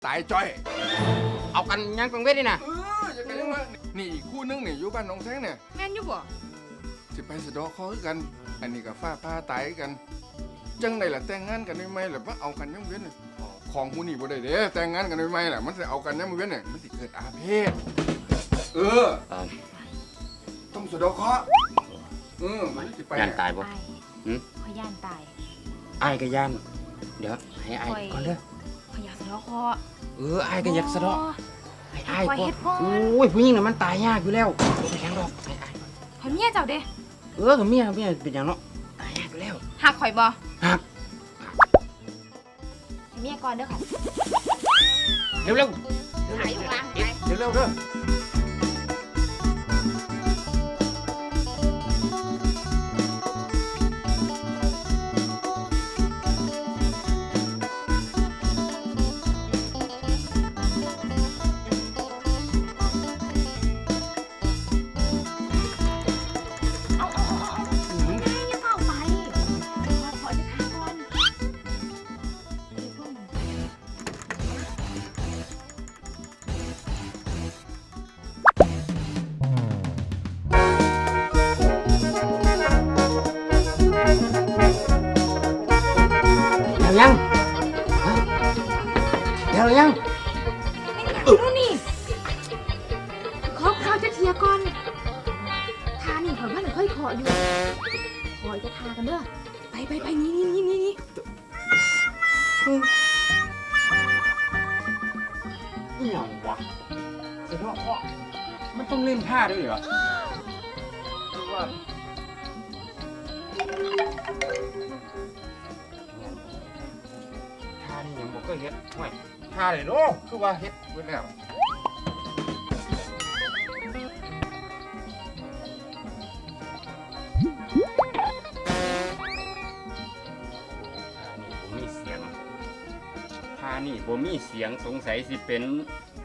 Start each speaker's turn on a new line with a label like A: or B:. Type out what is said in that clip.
A: ตายจ้อย
B: เอากันยังกังเวทนี่นะ
A: จะกันยังวะนี่อีกคู่นึงนี่อยู่บ้านน้องแท้งเนี่ย
C: แม่นอยู่บ่
A: สิไปสะดอกคอคือกัน อันนี้กับฟ้าผ้าตายกัน จังไดล่ะแต่งงานกันได้ไหมล่ะว่าเอากันยังเว้นน่ะของผู้นี่บ่ได้เด้แต่งงานกันได้ไหมล่ะมันสิเอากันยังเว้นน่ะมันสิเกิดอาเพศต้องสะดอกเคราะห์มันสิไป
B: ย่านตายบ่
C: อาย
B: หืม
C: ขอยย่านตาย
B: อ้ายก็ย่านเดี๋ยวให้อ้ายก่อนเด้อ
C: ขอยอยากสะเลาะคอ
B: อ้ายก็อยากสะเดาะให้อ้าย
C: ขอย
B: ก่อ
C: เฮ็
B: น
C: ดก่อน
B: โอ้ยผู้หญิงน่ะมันตายยากอยู่แล้วไม่แข็งดอกให้อ้ายก่อน
C: ขอยเมียเจ้าเด้
B: กับเมียเป็นหยังเนาะตายยากอยู่แล้ว
C: หักข่อยบ่
B: หัก
C: ให้เมียก่อนเด้อค่ะ
B: เร็ว
C: หายอยู่ล่างไป
A: เร็วๆเด้อ
C: เอาอย่าเฝ้าไปขอจะทาก่อน
B: ๆแล้วยังฮะแล้วยัง
C: ไม่อยากรู้นี่ขอจะเทียก่อนทานี่ข่อยว่าหนูเคยขออยู่ขอจะทากันเด้อไปนี่
B: อีหยังวะสะเดาะเคราะห์มันต้องเล่นท่าด้วยเหรอคือว่าท่านี่ยังบ่เคยเฮ็ดห่วยท่าเลยเนาะคือว่าเฮ็ดเบิดแล้วท่านี่บ่มีเสียงสงสัยสิเป็น